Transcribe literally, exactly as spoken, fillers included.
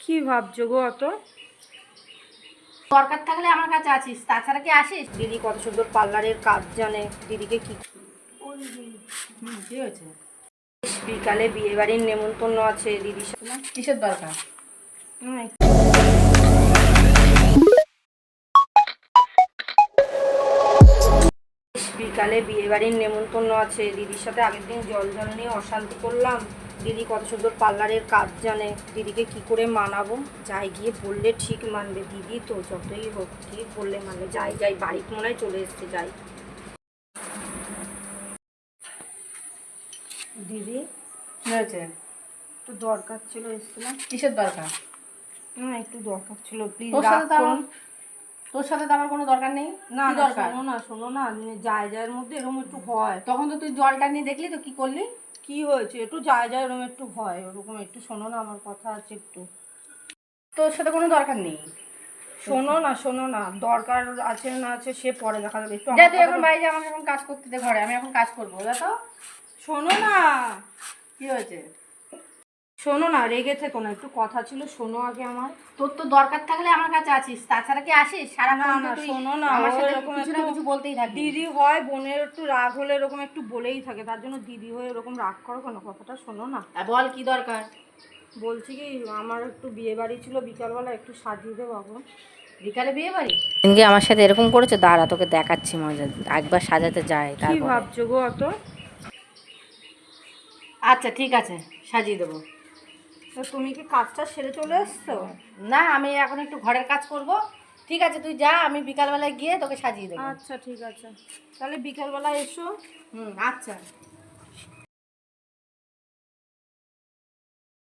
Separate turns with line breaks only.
কি ভাবছো গো? অত
দরকার থাকলে আমার কাছে আছিস, তাছাড়া কি আসিস?
দিদি কত সুন্দর পার্লারের কাজ জানে। দিদিকে কি
হুম, কি হয়েছে?
বিকালে বিয়ে বাড়ির নেমন্তন্ন আছে দিদির সাথে।
কিসের দরকার?
হুম, বিকালে বিয়ে বাড়ির নেমন্তন্ন আছে দিদির সাথে। আগের দিন জল জল নিয়ে অশান্তি করলাম। দিদি কত সুন্দর পার্লারের কাজ জানে। দিদিকে কি করে মানাবো? যাই গিয়ে বললে ঠিক মানবে দিদি তো, যতই হোক ঠিক বললে মানবে। যাই যাই বাড়িতে মনে হয় চলে এসছে। যাই দিদি,
কি হয়েছে?
একটু দরকার ছিল, এসেছিলাম।
কিসের দরকার?
না একটু দরকার ছিল, প্লিজ
তোর
রাগ
সাথে তো আমার
করুন
তোর সাথে তো আমার কোনো দরকার নেই।
না।
কি
না
দরকার?
শোনো না, শোনো না, যায় যায়ের মধ্যে এরকম একটু হয়।
তখন তো তুই জলটা নিয়ে দেখলি তো, কি করলি?
কি হয়েছে? একটু যায় যায় এরকম একটু হয়, ওরকম একটু শোনো না, আমার কথা আছে একটু।
তোর সাথে কোনো দরকার নেই।
শোনো না, শোনো না, দরকার আছে না আছে সে পরে দেখা যাবে। একটু
যা,
আমার
তুই এখন
কথাটা
বাইরে যা, আমাকে এখন কাজ করতে দে ঘরে, আমি এখন কাজ করবো। যা তো।
শোনো না,
কি হয়েছে?
শোনো না, রেগে থেকো না, একটু কথা ছিল, শোনো আগে আমার।
তোর তো দরকার থাকলে আমার কাছে আছিস, তাছাড়া কি আসিস? সারাক্ষণ
না
তো
না
তুই
শোনো না,
আমার
ও
সাথে
এরকম
কিছু না
একটু
কিছু বলতেই থাকবি।
দিদি হয়, বোনের একটু রাগ হলে এরকম একটু বলেই থাকে, তার জন্য দিদি হয়ে এরকম রাগ করো কেন? কথাটা শোনো না।
আর বল কি দরকার?
বলছি কি, আমার একটু বিয়ে বাড়ি ছিল বিকালবেলা, একটু সাজিয়ে দেবো এখন।
বিকালে বিয়ে বাড়ি? এদিকে আমার সাথে এরকম করেছে, দাঁড়া তোকে দেখাচ্ছি মজা। একবার সাজাতে যায়
কি
তারপরে।
ভাবছো গো? অত
আচ্ছা ঠিক আছে, সাজিয়ে দেবো।
তো তুমি কি কাজটা সেরে চলে এসছো?
না, আমি এখন একটু ঘরের কাজ করব। ঠিক আছে তুই যা, আমি বিকালবেলায় গিয়ে তোকে সাজিয়ে দেবো।
আচ্ছা ঠিক আছে, তাহলে বিকালবেলা এসো।
হুম, আচ্ছা।